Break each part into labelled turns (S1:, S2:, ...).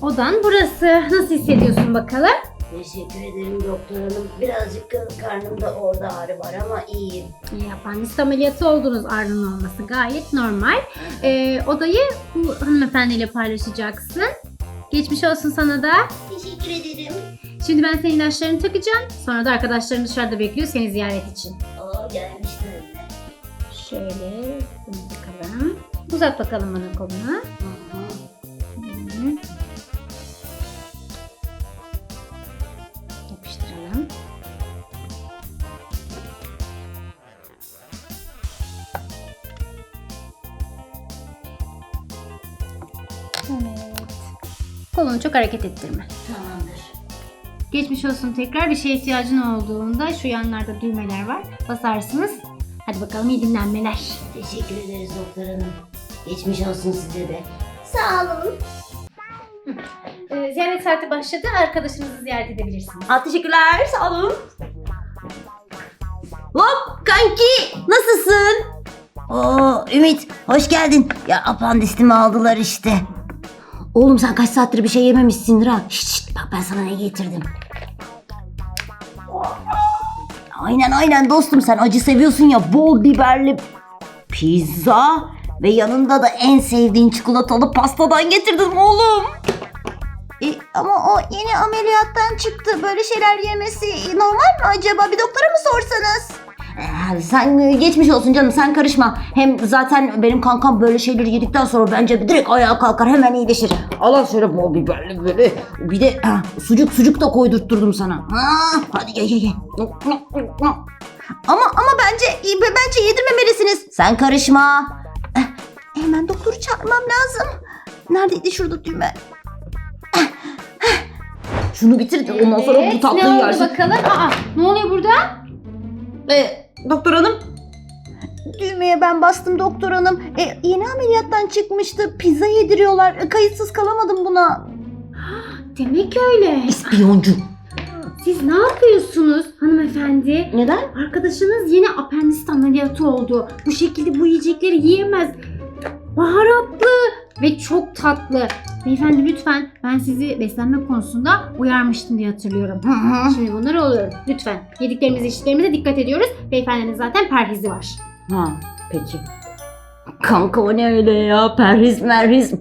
S1: odan burası. Nasıl hissediyorsun bakalım?
S2: Teşekkür ederim doktor hanım. Birazcık karnımda orada ağrı var ama iyiyim.
S1: Apandisit ameliyatı oldunuz, ağrının olması gayet normal. Odayı bu hanımefendiyle paylaşacaksın. Geçmiş olsun sana da.
S2: Teşekkür ederim.
S1: Şimdi ben senin ilaçlarını takacağım. Sonra da arkadaşların dışarıda bekliyor seni ziyaret için.
S2: Gelmişler mi?
S1: Şöyle bunu takalım. Uzat bakalım bana kolunu. Hı. Yapıştıralım. Evet. Kolunu çok hareket ettirme.
S2: Tamamdır.
S1: Geçmiş olsun tekrar. Bir şeye ihtiyacın olduğunda şu yanlarda düğmeler var. Basarsınız. Hadi bakalım, iyi dinlenmeler.
S2: Teşekkür ederiz doktor hanım. Geçmiş olsun size de. Sağ olun.
S1: Ziyaret saati başladı. Arkadaşınızı ziyaret edebilirsiniz.
S2: Teşekkürler. Sağ olun. Hop kanki. Nasılsın? Oo Ümit hoş geldin. Ya apandisimi aldılar işte. Oğlum sen kaç saattir bir şey yememişsindir ha. Şşt, bak ben sana ne getirdim. Aynen dostum, sen acı seviyorsun ya, bol biberli pizza ve yanında da en sevdiğin çikolatalı pastadan getirdim oğlum. Ama o yeni ameliyattan çıktı. Böyle şeyler yemesi normal mi acaba? Bir doktora mı sorsanız? Sen geçmiş olsun canım, sen karışma. Hem zaten benim kankam böyle şeyleri yedikten sonra bence direkt ayağa kalkar, hemen iyileşir. Allah şöyle bol biberli böyle. Bir de sucuk da koydurtturdum sana. Hadi ye. Ama bence yedirmemelisiniz. Sen karışma. Hemen doktoru çağırmam lazım. Neredeydi şurada düğme? Şunu bitir de ondan sonra bu tatlıyı
S1: ne oldu
S2: yersin.
S1: bakalım? Ne oluyor burada?
S2: Doktor hanım. Düğmeye ben bastım doktor hanım. Yeni ameliyattan çıkmıştı. Pizza yediriyorlar. Kayıtsız kalamadım buna.
S1: Demek öyle.
S2: İspiyoncu.
S1: Siz ne yapıyorsunuz hanımefendi?
S2: Neden?
S1: Arkadaşınız yeni apandisit ameliyatı oldu. Bu şekilde bu yiyecekleri yiyemez. Baharatlı ve çok tatlı. Beyefendi lütfen, ben sizi beslenme konusunda uyarmıştım diye hatırlıyorum. Şimdi bunlar oluyor. Lütfen yediklerimize içtiklerimize dikkat ediyoruz. Beyefendinin zaten perhizi var.
S2: Peki. Kanka o ne öyle ya? Perhiz merhiz.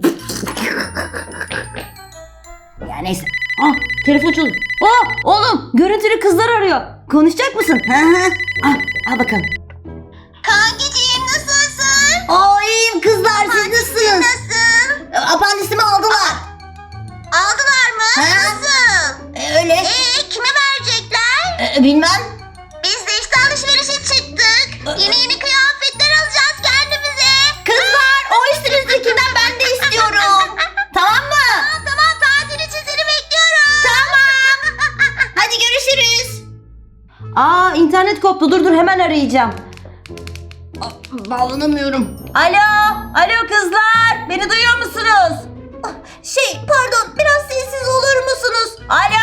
S2: Ya neyse. Telefon çalıyor. Oğlum görüntülü kızlar arıyor. Konuşacak mısın? Al bakalım.
S3: Kankiciğim nasılsın?
S2: İyiyim kızlar, siz nasılsınız?
S3: Nasıl?
S2: Apandisimi aldılar.
S3: Aldılar mı? Nasıl?
S2: Öyle.
S3: Kime verecekler?
S2: Bilmem.
S3: Biz de işte alışverişe çıktık. Yeni kıyafetler alacağız kendimize.
S2: Kızlar, o üstünüzdekinden ben de istiyorum. Tamam mı?
S3: Tamam, tatil için seni bekliyorum.
S2: Tamam. Hadi görüşürüz. İnternet koptu. Dur hemen arayacağım. Bağlanamıyorum. Alo kızlar. Beni duyuyor musunuz? Pardon, biraz sessiz olur musunuz?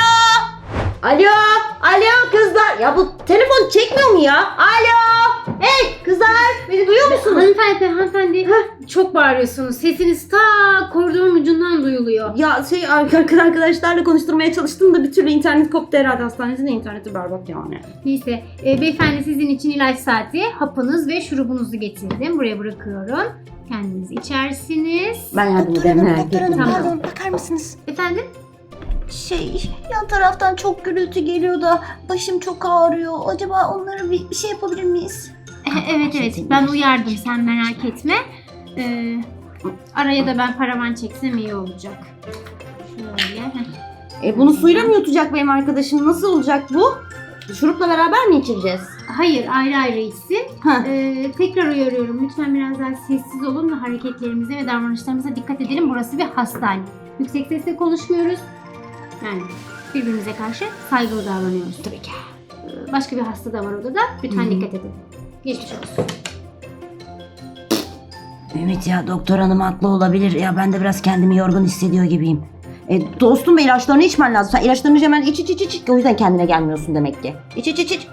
S2: Alo kızlar. Ya bu telefon çekmiyor mu ya? Hey kızlar, beni duyuyor musunuz?
S1: Hanımefendi. Çok bağırıyorsunuz. Sesiniz ta koridorun ucundan duyuluyor.
S4: Ya arkadaşlarla konuşturmaya çalıştım da bir türlü internet koptu herhalde. Hastanemizin de interneti berbat yani.
S1: Neyse, beyefendi sizin için ilaç saati, hapınız ve şurubunuzu getirdim. Buraya bırakıyorum. Kendiniz içersiniz.
S4: Ben yardım ederim, merak etmeyin.
S1: Tamam.
S2: Pardon, bakar mısınız?
S1: Efendim?
S2: Yan taraftan çok gürültü geliyor da başım çok ağrıyor. Acaba onlara bir şey yapabilir miyiz?
S1: Evet. Ben uyardım. Sen merak etme. Araya da ben paravan çeksem iyi olacak. Şöyle.
S4: Bunu suyla mı yutacak benim arkadaşım? Nasıl olacak bu? Şurupla beraber mi içireceğiz?
S1: Hayır, ayrı içsin.
S4: Heh.
S1: Tekrar uyarıyorum. Lütfen biraz daha sessiz olun ve hareketlerimize ve davranışlarımıza dikkat edelim. Burası bir hastane. Yüksek sesle konuşmuyoruz. Yani birbirimize karşı saygılı davranıyoruz tabii ki. Başka bir hasta da var odada. Lütfen dikkat edin. Geçmiş olsun.
S2: Ümit ya, doktor hanım haklı olabilir. Ya ben de biraz kendimi yorgun hissediyor gibiyim.
S4: Dostum, ilaçlarını içmen lazım. Sen ilaçlarını hemen iç. O yüzden kendine gelmiyorsun demek ki. İç.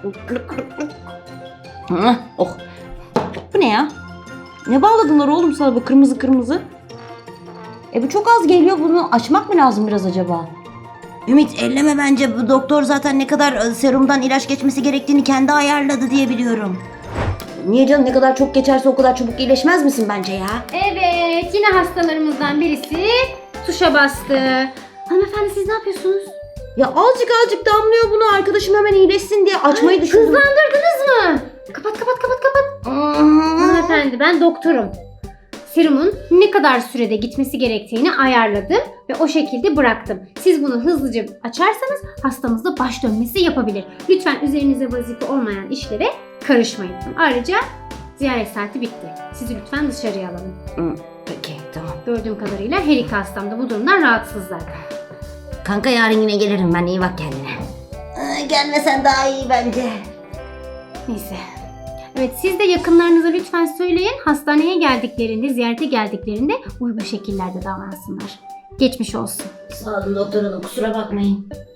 S4: Oh. Bu ne ya? Ne bağladılar oğlum sana bu kırmızı? Bu çok az geliyor, bunu açmak mı lazım biraz acaba?
S2: Ümit elleme bence, bu doktor zaten ne kadar serumdan ilaç geçmesi gerektiğini kendi ayarladı diye biliyorum.
S4: Niye canım, ne kadar çok geçerse o kadar çabuk iyileşmez misin bence ya?
S1: Evet, yine hastalarımızdan birisi tuşa bastı. Hanımefendi siz ne yapıyorsunuz?
S4: Ya azıcık damlıyor, bunu arkadaşım hemen iyileşsin diye açmayı düşündüm.
S1: Hızlandırdınız mı? Kapat. Hanımefendi ben doktorum. Serumun ne kadar sürede gitmesi gerektiğini ayarladım ve o şekilde bıraktım. Siz bunu hızlıca açarsanız hastamızda baş dönmesi yapabilir. Lütfen üzerinize vazife olmayan işlere karışmayın. Ayrıca ziyaret saati bitti. Sizi lütfen dışarıya alalım.
S2: Peki tamam.
S1: Gördüğüm kadarıyla her iki hastam da bu durumdan rahatsız zaten.
S2: Kanka yarın yine gelirim ben, iyi bak kendine. Gelmesen daha iyi bence.
S1: Neyse. Evet siz de yakınlarınıza lütfen söyleyin. Hastaneye geldiklerinde, ziyarete geldiklerinde uygun şekillerde davransınlar. Geçmiş olsun.
S2: Sağ olun doktor hanım, kusura bakmayın.